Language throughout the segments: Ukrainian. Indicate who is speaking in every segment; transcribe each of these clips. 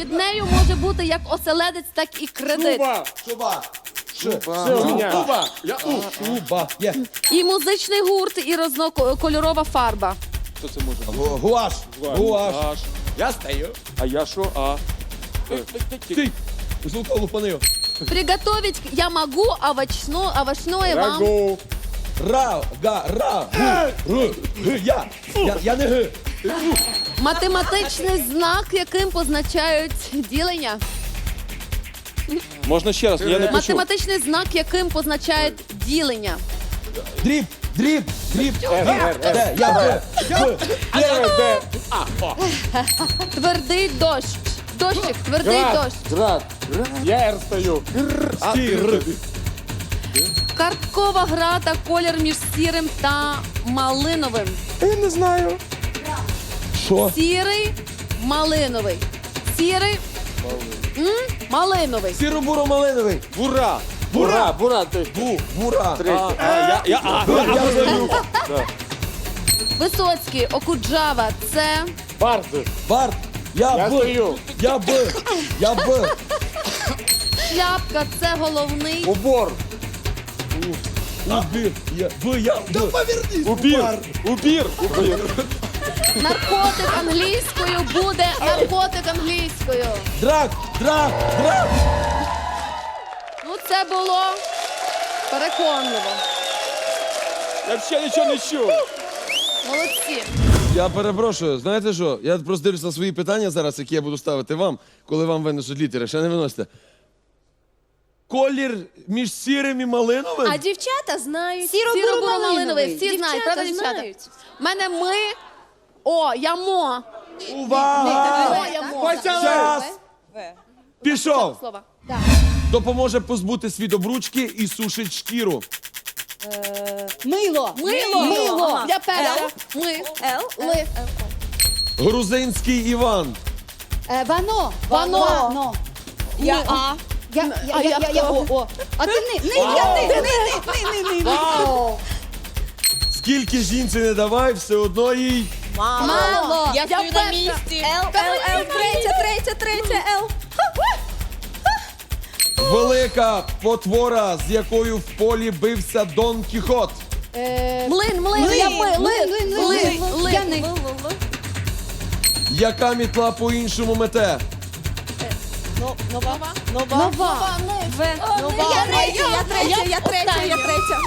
Speaker 1: Під нею може бути як оселедець, так і кредит.
Speaker 2: Шуба.
Speaker 3: Шуба.
Speaker 2: Шуба. Є.
Speaker 1: І музичний гурт, і різнокольорова фарба.
Speaker 3: Хто це може бути?
Speaker 2: Гуаш. Гуаш.
Speaker 3: Гуаш.
Speaker 2: Я стою.
Speaker 3: А я що? А?
Speaker 2: Ти. Звука лупанив.
Speaker 1: Приготовить я могу овощное вам.
Speaker 3: Рагу.
Speaker 2: Ра. Гу. Я не г.
Speaker 1: Математичний знак, яким позначають ділення.
Speaker 3: Можна ще раз? Я не почув.
Speaker 1: Математичний знак, яким позначають ділення.
Speaker 2: Дріб.
Speaker 3: Р.
Speaker 2: Де? Я б.
Speaker 3: Д.
Speaker 1: Твердий дощ. Дощик, твердий дощ.
Speaker 3: Град. Я Р стою.
Speaker 2: Стір.
Speaker 1: Карткова гра та колір між сірим та малиновим.
Speaker 3: Я не знаю.
Speaker 2: Що?
Speaker 1: Сірий, малиновий. Сірий, малиновий.
Speaker 2: Сіро-буро-малиновий.
Speaker 3: Бура. Ти.
Speaker 2: Бура.
Speaker 3: Третє. Я стою.
Speaker 1: Висоцький, Окуджава, це
Speaker 3: Бард.
Speaker 2: Барт. Я
Speaker 3: Я
Speaker 2: б.
Speaker 3: стою.
Speaker 2: Я б.
Speaker 1: шляпка, це головний.
Speaker 3: Убор.
Speaker 2: Убір. Я б.
Speaker 3: Убір.
Speaker 1: Наркотик англійською буде наркотик англійською.
Speaker 2: Драк.
Speaker 1: Ну, це було переконливо.
Speaker 3: Я взагалі нічого не чув.
Speaker 1: Молодці.
Speaker 2: Я перепрошую, знаєте що? Я просто дивлюся на свої питання зараз, які я буду ставити вам, коли вам винесуть літери. Ще не виносите. Колір між сірим і малиновим?
Speaker 4: А дівчата знають.
Speaker 1: Сіро-буро-малиновий. Всі знають, правда, дівчата? У мене ми. О, я мо.
Speaker 2: Увага!
Speaker 1: О, я мо.
Speaker 2: Час! Пішов!
Speaker 1: Слова.
Speaker 2: Допоможе позбутись від обручки і сушить шкіру.
Speaker 4: Мило.
Speaker 1: Мило. Я перша. Ми.
Speaker 4: Л.
Speaker 1: Ли.
Speaker 2: Грузинський Іван.
Speaker 4: Вано.
Speaker 1: Вано.
Speaker 4: Я А. Я О. А ти не.
Speaker 2: Скільки жінці не давай, все одно їй.
Speaker 1: Мало.
Speaker 4: Я стою на
Speaker 1: перша.
Speaker 4: місці. Л. Третя. Л.
Speaker 2: Велика потвора, з якою в полі бився Дон Кіхот.
Speaker 1: Млин. Я ми. Ли.
Speaker 4: Я не.
Speaker 2: Яка мітла по-іншому мете?
Speaker 4: Нова. Я третя.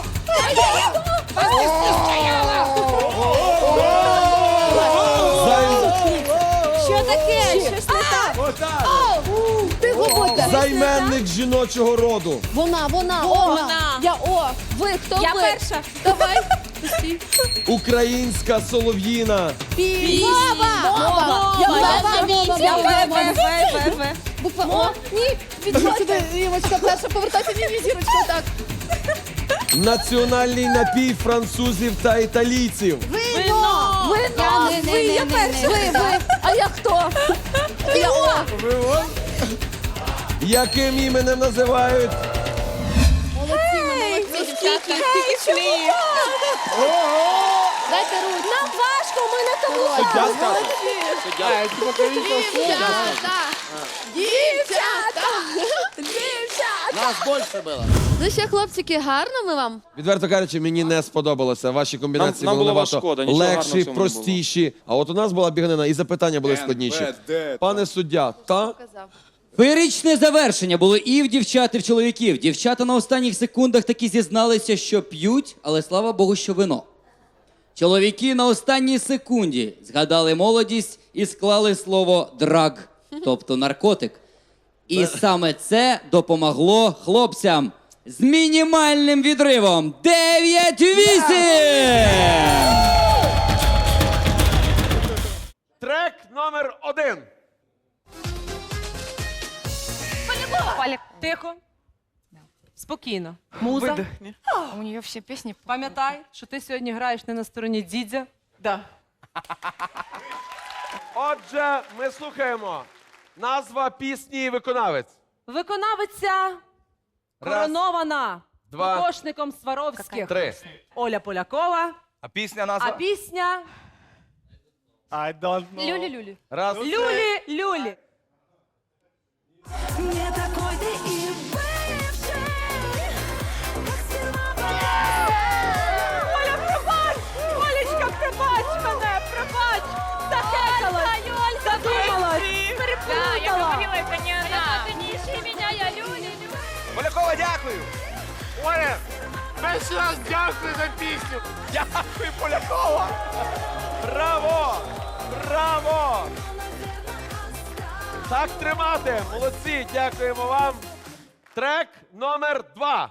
Speaker 4: Що таке? Щось не так.
Speaker 1: Ти говорите.
Speaker 2: Займенник жіночого роду.
Speaker 1: Вона. Я О. Ви, хто ви?
Speaker 4: Я перша.
Speaker 1: Давай.
Speaker 2: Українська солов'їна.
Speaker 1: Мова. Я
Speaker 4: В.
Speaker 1: Буква О. Ні. Підходь сюди, Івочка, перша повертайся. Ні, зірочка, так.
Speaker 2: Національний напій французів та італійців.
Speaker 4: Вино.
Speaker 1: Я перша. Ви. А я хто? Я О.
Speaker 2: Яким іменем називають?
Speaker 1: Молодці, дівчатка. Дайте руку.
Speaker 4: Нам важко, ми на тому.
Speaker 3: Суддя скаже.
Speaker 1: Дівчата.
Speaker 3: Нас більше було.
Speaker 1: Ну що, хлопчики, гарно ми вам?
Speaker 2: Відверто кажучи, мені не сподобалося. Ваші комбінації
Speaker 3: Нам
Speaker 2: були
Speaker 3: було
Speaker 2: набагато
Speaker 3: шкода, нічого гарного в
Speaker 2: легші,
Speaker 3: цьому не було.
Speaker 2: простіші. А от у нас була біганина, і запитання були складніші. Пане суддя, та?
Speaker 1: Казав.
Speaker 5: Феєричне завершення було і в дівчат, і в чоловіків. Дівчата на останніх секундах таки зізналися, що п'ють, але слава Богу, що вино. Чоловіки на останній секунді згадали молодість і склали слово «драг», тобто наркотик. І саме це допомогло хлопцям з мінімальним відривом 9-8!
Speaker 2: Трек номер 1.
Speaker 6: Тихо. Спокійно. Муза.
Speaker 7: У нее все песни.
Speaker 6: Пам'ятай, що ти сьогодні граєш не на стороні дідя.
Speaker 7: Да.
Speaker 2: Отже, ми слухаємо. Назва пісні і виконавець.
Speaker 6: Виконавиця коронована
Speaker 2: два,
Speaker 6: кокошником Сваровських.
Speaker 2: 3.
Speaker 6: Оля Полякова.
Speaker 8: А пісня назва?
Speaker 6: А пісня
Speaker 3: I don't know.
Speaker 6: Люлі-люлі.
Speaker 2: Раз.
Speaker 6: Люлі-люлі.
Speaker 8: Не такой ты и бывший, как сперва
Speaker 6: Оля, пробач! Олечка, пробач мене, пробач! Захекалась! Задумалась! Переплутала!
Speaker 3: Полякова, дякую! Оля, перший раз дякую за пісню! Дякую, Полякова! Браво! Браво! Так тримати! Молодці! Дякуємо вам! Трек номер 2.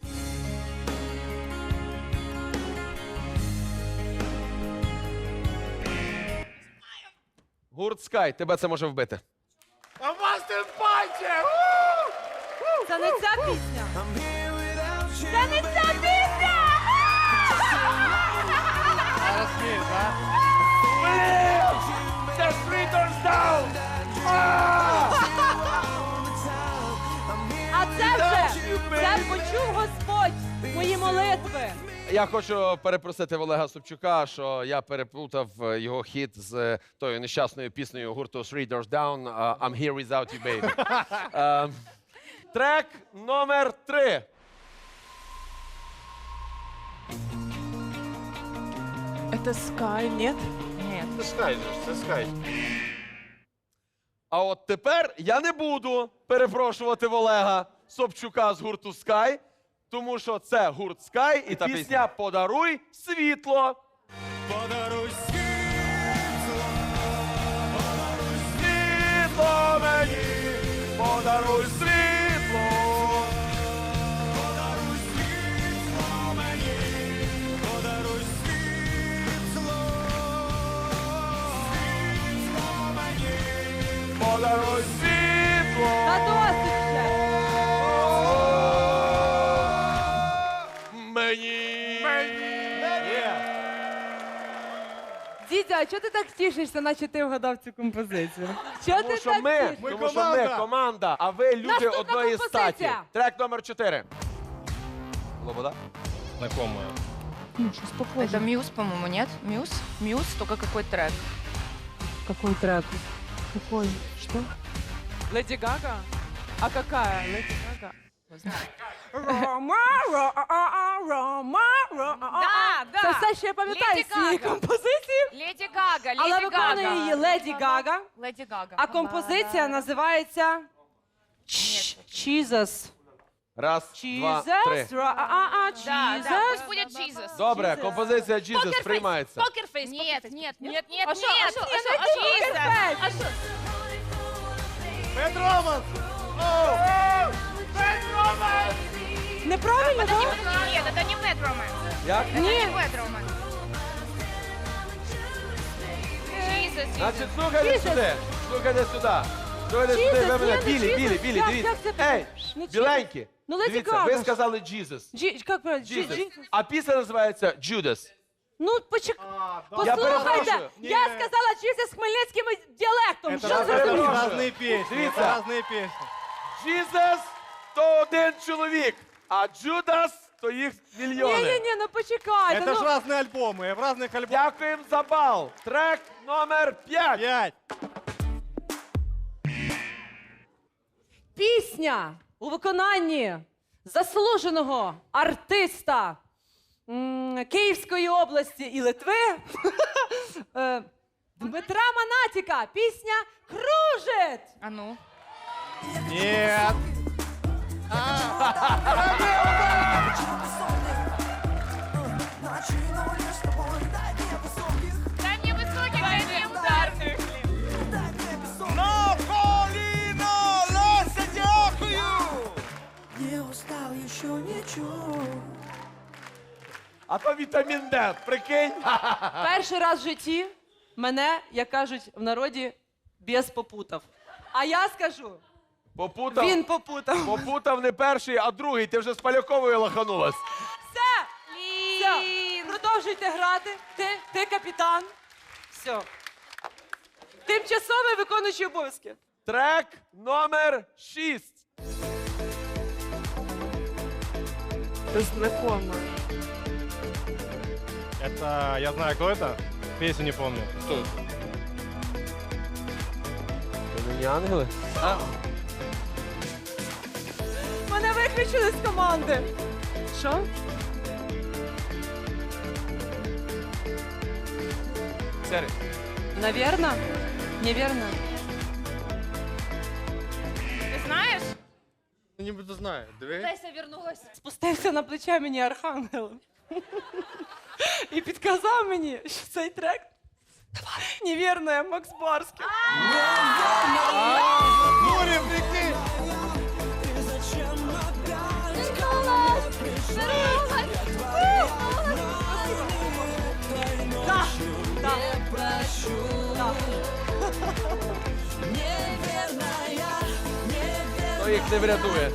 Speaker 3: Гурт Скай, тебе це може вбити. А вас тим пальче!
Speaker 6: Це не ця пісня! Це не ця пісня!
Speaker 3: The Streeters Down!
Speaker 6: А це вже! Це почув Господь! Мої молитви!
Speaker 2: Я хочу перепросити в Олега Собчука, що я переплутав його хіт з тою нещасною піснею гурту Three Doors Down «I'm here without you, baby». Трек номер 3.
Speaker 6: Это Скай, нет?
Speaker 3: Це Скай, це Скай.
Speaker 2: А от тепер я не буду перепрошувати в Олега Собчука з гурту Sky, тому що це гурт Sky і пісня «Подаруй світло».
Speaker 3: Подаруй світло, подаруй світло мені, подаруй світло, подаруй світло мені, подаруй світло, світло мені, подаруй світло.
Speaker 6: Та досить вже! Дідя, а чого ти так тішишся, наче ти вгадав цю композицію? Чого
Speaker 2: Тому
Speaker 6: ти
Speaker 2: що
Speaker 6: так
Speaker 2: ми,
Speaker 6: тішишся?
Speaker 2: тому що ми команда, а ви люди
Speaker 6: Наступна
Speaker 2: одної
Speaker 6: композиція.
Speaker 2: статі. Трек номер 4. Лобода?
Speaker 3: Знакомая.
Speaker 7: Это Мьюз, по-моему, нет? Мьюз? Мьюз, только какой трек?
Speaker 6: Какой трек? Какой? Что? Леди Гага? А какая? Леди Гага? Рома,
Speaker 7: Да,
Speaker 6: Це все, що я пам'ятаю
Speaker 7: Леді
Speaker 6: з цієї
Speaker 7: Гага.
Speaker 6: композиції.
Speaker 7: Леди Гага,
Speaker 6: Але
Speaker 7: Леди
Speaker 6: виконує
Speaker 7: Гага.
Speaker 6: її Леді Гага.
Speaker 7: Леди Гага.
Speaker 6: А композиція називається Jesus.
Speaker 2: Раз, два, три.
Speaker 7: Да,
Speaker 6: Jesus.
Speaker 7: пусть будет Jesus.
Speaker 2: Добре,
Speaker 6: Jesus.
Speaker 2: композиція Jesus приймається.
Speaker 7: Нет, нет, нет, нет,
Speaker 6: А що,
Speaker 7: нет.
Speaker 6: а що, Jesus.
Speaker 7: А что?
Speaker 3: Петроман! Петроман!
Speaker 6: Неправильно, так?
Speaker 7: Нет, это не Mad Romance.
Speaker 2: Як?
Speaker 7: Это не Mad Romance. Jesus,
Speaker 2: Значить, слухайте сюди. Слухайте сюди. Слухайте
Speaker 6: Jesus,
Speaker 2: сюди, ви мене.
Speaker 6: ні,
Speaker 2: Білі,
Speaker 6: Jesus.
Speaker 2: білі, білі,
Speaker 6: Як
Speaker 2: дивіться.
Speaker 6: це?
Speaker 2: Ей,
Speaker 6: Ну, Jesus.
Speaker 2: біленькі.
Speaker 6: Ну, Леді
Speaker 2: Дивіться,
Speaker 6: Гага
Speaker 2: ви
Speaker 6: ж.
Speaker 2: сказали Jesus.
Speaker 6: Як правильно?
Speaker 2: Jesus. А пісня називається Judas.
Speaker 6: Ну, почекай.
Speaker 2: Я
Speaker 6: Послухайте,
Speaker 2: перепрошую.
Speaker 6: я сказала Jesus з хмельницьким діалектом. Що
Speaker 2: Я
Speaker 6: це за
Speaker 2: перепрошую.
Speaker 3: Разные песни.
Speaker 2: Дивіться.
Speaker 3: Это разные песни.
Speaker 2: Jesus – то один чоловік, а Judas – то їх мільйони.
Speaker 6: Ні-ні-ні, ну почекайте.
Speaker 3: Это
Speaker 6: ну.
Speaker 3: ж разные альбомы. В разных альбомах.
Speaker 2: Дякуємо за бал. Трек номер 5.
Speaker 3: 5.
Speaker 6: Пісня у виконанні заслуженого артиста Київської області і Литви Дмитра Манатіка. Пісня «Кружит».
Speaker 7: А ну.
Speaker 3: Нет.
Speaker 7: Дай мне высоких, дай мне ударных.
Speaker 3: На коліно, Леся, дякую!
Speaker 8: Не устал, еще ничего.
Speaker 2: А то вітамін Д, прикинь.
Speaker 6: Перший раз в житті мене, як кажуть в народі, біс попутав. А я скажу,
Speaker 2: Попутав.
Speaker 6: він попутав.
Speaker 2: Попутав не перший, а другий. Ти вже з Поляковою лоханулась.
Speaker 6: Все! Все! Продовжуйте грати. Ти капітан. Все. Тимчасовий виконуючий обов'язки.
Speaker 2: Трек номер 6.
Speaker 6: Це знакомо.
Speaker 3: Это, я знаю, кто это. Песню не помню. Кто это?
Speaker 2: Це не ангели?
Speaker 6: виключили з команди. Що?
Speaker 3: Сері.
Speaker 6: Наверно? Неверно.
Speaker 7: Ты знаешь?
Speaker 3: Нібито знаю. Диви.
Speaker 7: Леся вернулась.
Speaker 6: Спустився на плече мені архангел. І підказав мені, що цей трек невірно, я Макс Барський.
Speaker 3: Мурів, прикинь! Хто їх не врятує?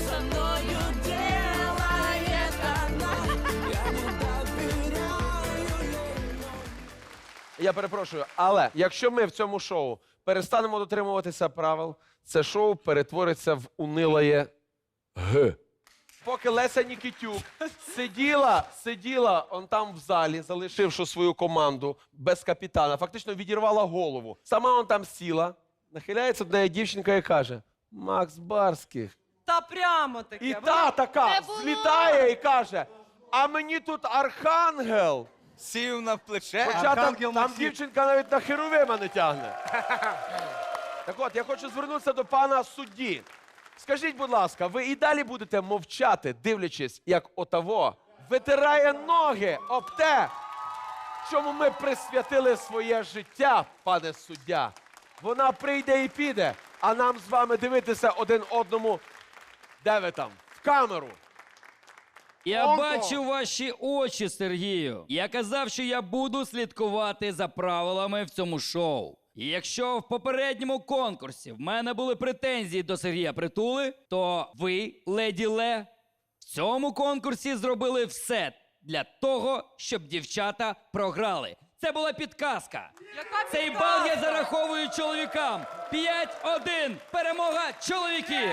Speaker 3: Я перепрошую, але якщо ми в цьому шоу перестанемо дотримуватися правил, це шоу перетвориться в унилає Г. Поки Леся Нікітюк сиділа он там в залі, залишивши свою команду без капітана, фактично відірвала голову. Сама он там сіла, нахиляється до неї дівчинка і каже: Макс Барських.
Speaker 6: Та прямо таке.
Speaker 2: І та така злітає і каже: а мені тут архангел.
Speaker 3: Сів на плече,
Speaker 2: Хоча там дівчинка навіть на херовима не тягне. Так от, я хочу звернутися до пана судді. Скажіть, будь ласка, ви і далі будете мовчати, дивлячись, як отаво витирає ноги об те, чому ми присвятили своє життя, пане суддя. Вона прийде і піде, а нам з вами дивитися один одному, де ви там, в камеру.
Speaker 5: Я бачу ваші очі, Сергію. Я казав, що я буду слідкувати за правилами в цьому шоу. І якщо в попередньому конкурсі в мене були претензії до Сергія Притули, то ви, леді Ле, в цьому конкурсі зробили все для того, щоб дівчата програли. Це була підказка.
Speaker 6: Яка
Speaker 5: Цей бал я зараховую чоловікам. 5-1. Перемога чоловіків.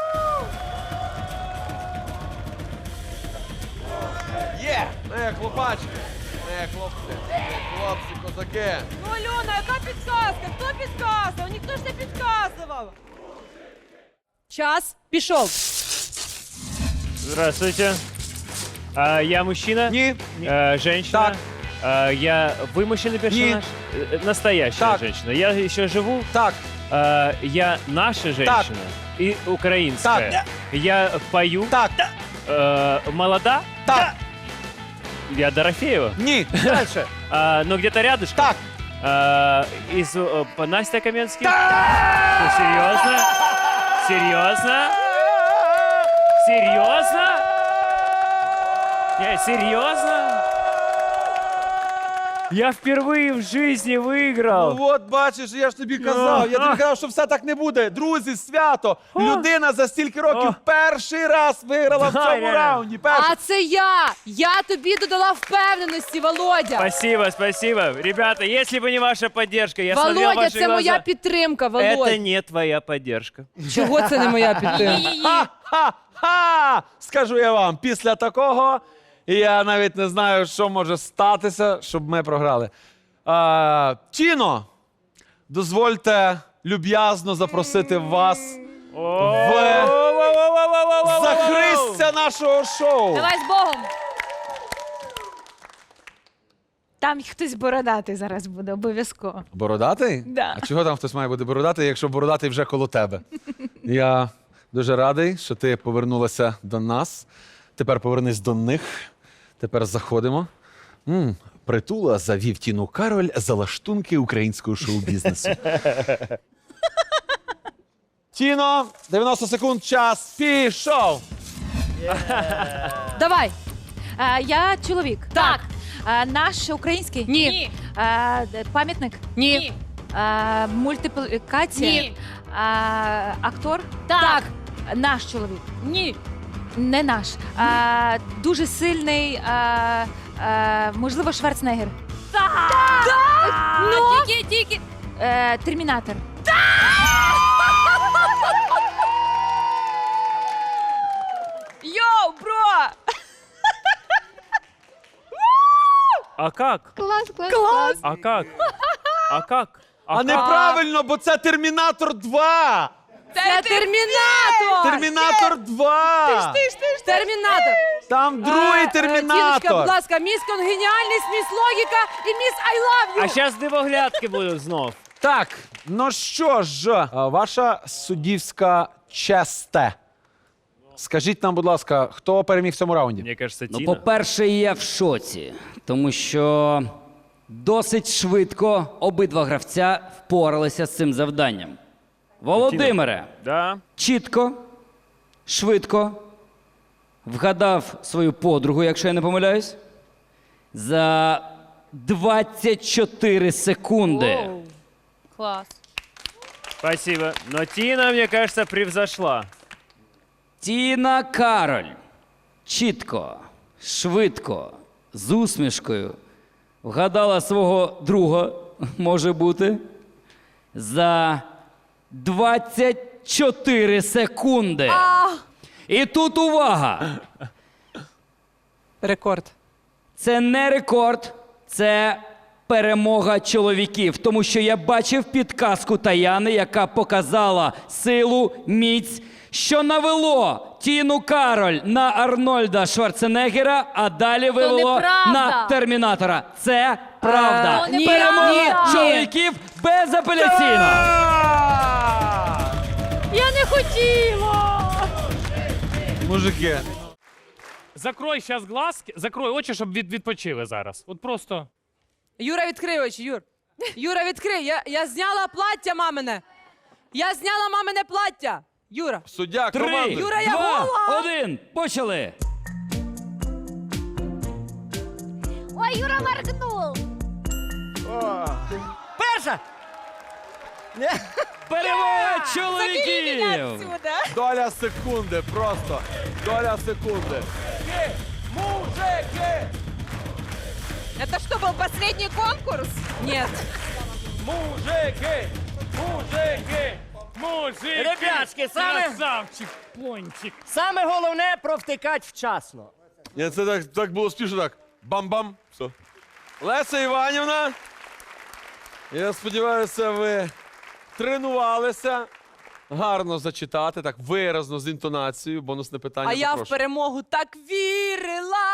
Speaker 2: Є! Хлопачки, хлопці, козаки.
Speaker 6: Ну, Альона, яка підказка? Хто підказував? Ніхто ж не підказував. Час пішов.
Speaker 9: Здравствуйте. Я мужчина?
Speaker 2: Ні.
Speaker 9: Женщина? Вы мужчина персонаж? Настоящая женщина. Я еще живу?
Speaker 2: Так.
Speaker 9: Я наша женщина? И украинская?
Speaker 2: Так.
Speaker 9: Я пою?
Speaker 2: Так.
Speaker 9: Молода?
Speaker 2: Так.
Speaker 9: Я Дорофеева?
Speaker 2: Ні. Дальше.
Speaker 9: Но где-то рядышком?
Speaker 2: Так.
Speaker 9: Настя Каменский? Ну, серьезно? Серьезно? Серьезно? Серьезно? Я впервые в жизни выиграл.
Speaker 2: Ну от бачиш, я ж тобі казав. Я тобі казав, що все так не буде. Друзі, свято. Людина за стільки років перший раз виграла в цьому раунді.
Speaker 4: А це я! Я тобі додала впевненості, Володя!
Speaker 9: Спасибо, спасибо. Ребята, если бы не ваша поддержка, я смотрел
Speaker 4: Володя,
Speaker 9: ваши
Speaker 4: це
Speaker 9: глаза.
Speaker 4: моя підтримка,
Speaker 9: Это
Speaker 4: Володя!
Speaker 9: не твоя поддержка.
Speaker 4: Чого це не моя підтримка?
Speaker 2: Ха-ха! Скажу я вам, після такого я навіть не знаю, що може статися, щоб ми програли. Тіно, дозвольте люб'язно запросити вас в захистя нашого шоу.
Speaker 4: Давай з Богом!
Speaker 7: Там хтось бородатий зараз буде, обов'язково.
Speaker 2: Бородатий?
Speaker 7: Да.
Speaker 2: А чого там хтось має бути бородатий, якщо бородатий вже коло тебе? Я дуже радий, що ти повернулася до нас. Тепер повернись до них. Тепер заходимо. Притула завів Тіну Кароль за лаштунки українського шоу-бізнесу. Тіно, 90 секунд, час пішов.
Speaker 4: Давай!
Speaker 7: Я чоловік.
Speaker 4: Так!
Speaker 7: Наш український?
Speaker 4: Ні!
Speaker 7: Пам'ятник?
Speaker 4: Ні!
Speaker 7: Мультиплікація?
Speaker 4: Ні!
Speaker 7: Актор?
Speaker 4: Так!
Speaker 7: Наш чоловік.
Speaker 4: Ні!
Speaker 7: Не наш. Дуже сильний, можливо, Шварценеггер.
Speaker 4: Ну? Тільки!
Speaker 7: Термінатор.
Speaker 4: Йоу, бро!
Speaker 9: А как?
Speaker 4: Клас!
Speaker 9: А как? А как?
Speaker 2: А неправильно, бо це Термінатор 2.
Speaker 6: Це Термінатор!
Speaker 3: Термінатор 2!
Speaker 6: Термінатор!
Speaker 3: Там другий
Speaker 6: Тіночка, будь
Speaker 3: термінатор!
Speaker 6: ласка, міс конгеніальність, міс логіка і міс I love you!
Speaker 9: А сейчас дивоглядки будуть знов.
Speaker 3: Так, ну що ж, ваша суддівська честе. Скажіть нам, будь ласка, хто переміг в цьому раунді?
Speaker 9: Мне кажется,
Speaker 5: Ну,
Speaker 9: Тина.
Speaker 5: по-перше, я в шоці, тому що досить швидко обидва гравця впоралися з цим завданням. Володимире,
Speaker 9: Да.
Speaker 5: чітко, швидко вгадав свою подругу, якщо я не помиляюсь, за 24 секунди.
Speaker 6: Клас.
Speaker 9: Спасибо. Но Тина, мне кажется, превзошла.
Speaker 5: Тіна Кароль чітко, швидко, з усмішкою вгадала свого друга, може бути, за 24 секунди. І тут увага!
Speaker 6: Рекорд.
Speaker 5: Це не рекорд, це перемога чоловіків. Тому що я бачив підказку Таяни, яка показала силу, міць, що навело Тіну Кароль на Арнольда Шварценеггера, а далі вивело
Speaker 1: неправда.
Speaker 5: на Термінатора. Це правда.
Speaker 1: То неправда.
Speaker 5: Перемога
Speaker 1: Ні.
Speaker 5: чоловіків безапеляційно.
Speaker 6: Я не хотіла!
Speaker 3: Мужики.
Speaker 10: Закрой зараз глазки, закрой очі, щоб відпочили зараз. От просто.
Speaker 6: Юра, відкрий очі, Юр. Юра, відкрий. Я зняла плаття мамине. Я зняла мамине плаття. Юра.
Speaker 3: Суддя,
Speaker 5: 3,
Speaker 3: команди.
Speaker 6: Юра, я
Speaker 5: 2,
Speaker 6: гола.
Speaker 5: 1. Почали.
Speaker 1: Ой, Юра моргнув.
Speaker 5: Перемога чоловіків.
Speaker 3: Доля секунди, просто. Доля секунди. Мужики!
Speaker 6: Это что, был последний конкурс? Нет.
Speaker 3: Мужики! Мужики!
Speaker 10: Мужики!
Speaker 9: Ребятки,
Speaker 10: Красавчик, пончик.
Speaker 9: Саме головне провтикати вчасно.
Speaker 3: Ні, це так було спішно, так. Бам-бам. Все. Леся Іванівна, я сподіваюся, ви тренувалися гарно зачитати, так виразно, з інтонацією. Бонусне питання.
Speaker 6: А я в
Speaker 3: запрошую.
Speaker 6: перемогу так вірила.